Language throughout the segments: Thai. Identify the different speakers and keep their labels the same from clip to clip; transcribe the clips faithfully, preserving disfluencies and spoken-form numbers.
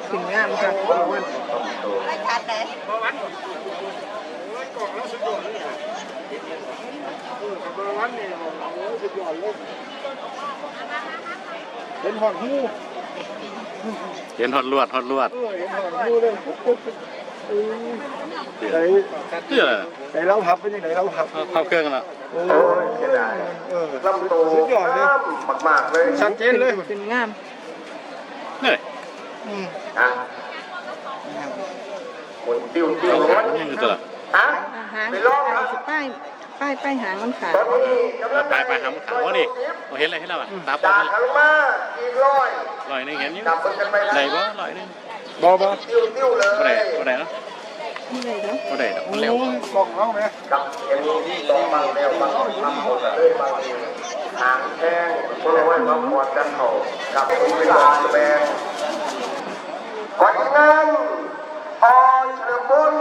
Speaker 1: ขึ้นงามค่ะ
Speaker 2: ไม่ชัดเลย
Speaker 3: เป็นหอดหู
Speaker 4: เห็นฮอดลวดฮอดลวด
Speaker 3: เออเห็นหอดหูเลยไหน
Speaker 4: เพื่อ
Speaker 3: ไหนเราพับเป็นยังไงเราพับ
Speaker 4: พับเครื่องกันละ
Speaker 3: โอ้ยเสียดายเออลำโตสุดยอดเลยมากๆเลยชัดเจนเลย
Speaker 1: ขึ้นงาม
Speaker 4: นี่
Speaker 3: อืม
Speaker 2: อ่ะคนติ้วติ้วรถ
Speaker 4: นี่คือตัวละ
Speaker 2: ฮะ
Speaker 1: หางป้ายป้ายป้ายหางมันขาด
Speaker 4: ตายไปหามันขาวนี่เราเห็นอะไรให้เราอ่ะตาปอ
Speaker 2: จาก
Speaker 4: ด
Speaker 2: ขันมาอีกร้อย
Speaker 4: ลอยนึงเห็นอยู่
Speaker 2: จับกันไป
Speaker 4: ไหนบ่ลอยนึง
Speaker 3: บอบอ
Speaker 2: ติ้วติ้วเลย
Speaker 4: บ่ได้บ่ได้เนาะ
Speaker 1: นี่เลยเนาะ
Speaker 4: บ่ได้ดอกมันเร็ว
Speaker 3: กล่องเอาไหม
Speaker 2: กับเอ็มที่ลองบางเร็วบางทำหมดเลยบางทางแท่งคนละวันมาหมดกันเขากับเวลาแบงก่อนนั้นพอเฉลิมบุญ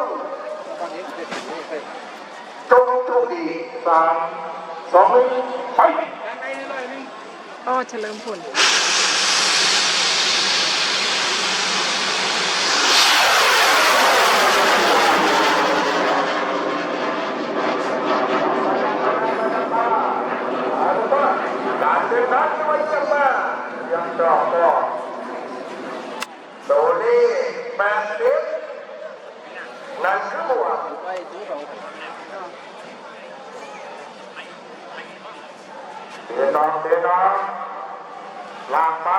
Speaker 2: จงโชคดีสามสองหนึ่งไป
Speaker 1: อ้อเฉลิมพล
Speaker 2: การเดินทางไม่ยากมากยังชอบก็โซลี่แปดสิบนั่นคือหมวกเดินน้องเดินน้องลากมา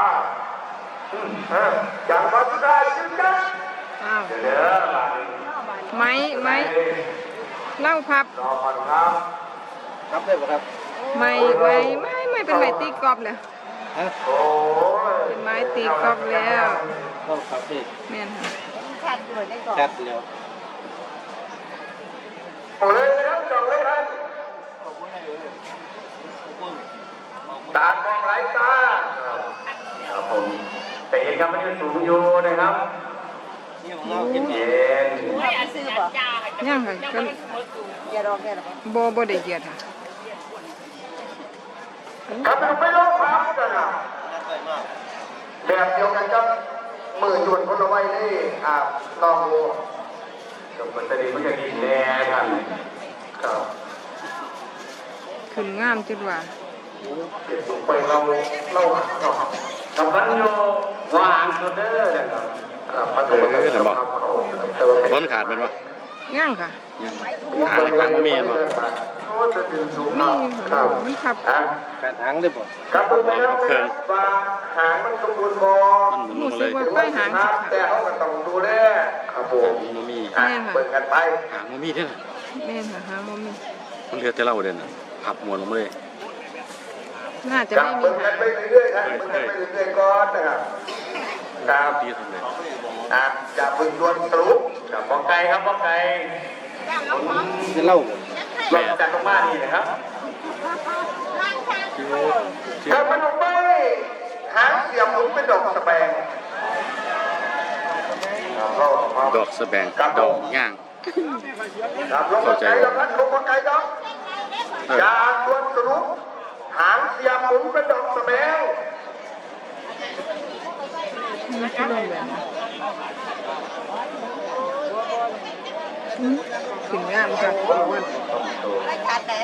Speaker 2: อย่างมาสุดท้ายจึงกัน
Speaker 1: อ้าว
Speaker 2: เดี๋ยว
Speaker 1: ไม้ไม้เล่าพับ
Speaker 2: รอก่อนครับครับได้ป่ะครับ
Speaker 1: ไม่ไม่ไม่ไม่เป็นไม้ตีกรอบเลย
Speaker 2: โอ้
Speaker 1: เป็นไม้ตีกรอบแล้ว
Speaker 3: ต้องครับพี่
Speaker 1: แม่นค่ะ
Speaker 2: ชัดด้วยได้ก่อน
Speaker 3: ชัดเร็ว
Speaker 2: โอ้เลยครับจองเลยครับตามมองไหลตาครับผมแต่เห็นครับมันยังสูงอยู่นะครับเย็น
Speaker 1: ย่างค่ะก็โบโบได้เกียรติค่ะ
Speaker 2: ครับไม่ลงครับกันนะแบบเดียวกันครับมือจวนคนเอาไว้นี่อ่าลองดูจบมันจะดีมันจะดีแน่ท่านครับ
Speaker 1: ขึ้นงามจุดว่า
Speaker 2: เก็บลงไปเราเราทำกันโยวางโซเดอร์นะครับครับเออ
Speaker 4: เห็นบ่ต้นขาดเป็นบ่
Speaker 1: ย่างค่ะ
Speaker 4: หางหางมีมั้ย
Speaker 1: มีค่ะมันขับ
Speaker 3: แปดหางได้ป่ะ
Speaker 2: ครับผมแล้วว่าหางมันสมบูรณ์บ่
Speaker 4: มันหมุนลงเลย
Speaker 1: ป้ายหางสิ
Speaker 2: แต่เขาก็ต้องดูแลครับผม
Speaker 4: มันมี
Speaker 2: เปิดกันไป
Speaker 4: หางมันมีเด้อ
Speaker 1: แม่ค่ะหางมันมี
Speaker 4: มันเหลือแต่เราเด่นพับหมวนลงมาเลย
Speaker 1: น่าจะไม่มี
Speaker 2: เปิดกันไปเรื่อยๆครับเปิดกันไปเรื่อยๆก่อนนะครับครับ
Speaker 4: ตีทำเลย
Speaker 2: อ่ะอย่าพึ่งดวนทะลุกับบ้องไก่ครับบ้องไก่
Speaker 3: จะเล่า
Speaker 2: ลงจากลงมานี่นะครับครับมันลงไปหางเสียบหมุนเป็นดอกสแบง
Speaker 4: ดอกสแบงดอกย่าง
Speaker 2: ครับลงมาไก่ดอกนั้นลงมาไก่ดอกอย่าดวนทะลุหางเสียบหมุนเป็นดอกสแบง
Speaker 1: มันคือลงแบบขึ้นงามค่ะ
Speaker 2: ไม่ชัดเลย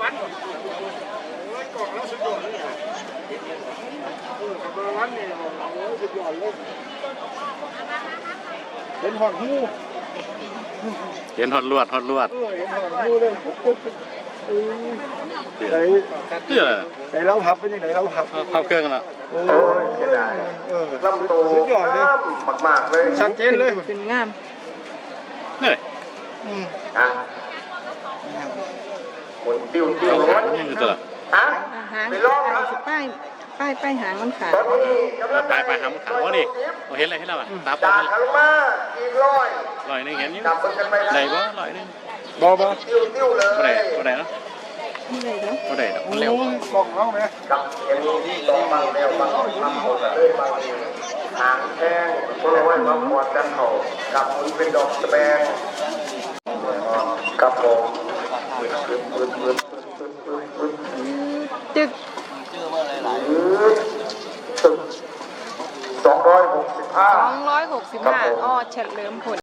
Speaker 3: เป็นหอดหู
Speaker 4: เห็นฮอดลวดฮอดลวด
Speaker 3: เออเห็นหอดหูเลยไหน
Speaker 4: เพื่อ
Speaker 3: ไหนเราพับเป็นยังไงเราพับ
Speaker 4: พับเครื่องกันละ
Speaker 3: โอ้ยเสียดายเออลำโตสุดยอดเลย
Speaker 2: มากๆเลย
Speaker 3: ชัดเจนเลย
Speaker 1: ขึ้นงาม
Speaker 4: นี่
Speaker 3: อืม
Speaker 2: อ่ะคนติ้วติ้วรถ
Speaker 4: นี่คือตัวละ
Speaker 2: ฮะ
Speaker 1: หางป้ายป้ายป้ายหางมันขาด
Speaker 4: ตายไปหามันขาวนี่เราเห็นอะไรให้เราอ่ะตาปอ
Speaker 2: จา
Speaker 4: ด
Speaker 2: กขันมาอีกร้อย
Speaker 4: ลอยนึงเห็นอยู่
Speaker 2: จับกันไป
Speaker 4: ไหนบ่ลอยนึง
Speaker 3: บอบอ
Speaker 2: ติ้วติ้วเลย
Speaker 4: บ่ได้บ่ได้เนาะ
Speaker 1: นี่เลยเนาะ
Speaker 4: บ่ได้ดอกมันเร็ว
Speaker 3: กล่องเอาไหม
Speaker 2: กับเอ็มที่ลองบางเร็วบางทำหมดเลยบางทางแท่งคนละวันมาหมดกันเขากับมันเป็นดอกสแบงกับผม
Speaker 1: จึก
Speaker 2: สองร้อยหกสิบห้า
Speaker 1: สองร้อยหกสิบห้าอ้อเฉลิมผล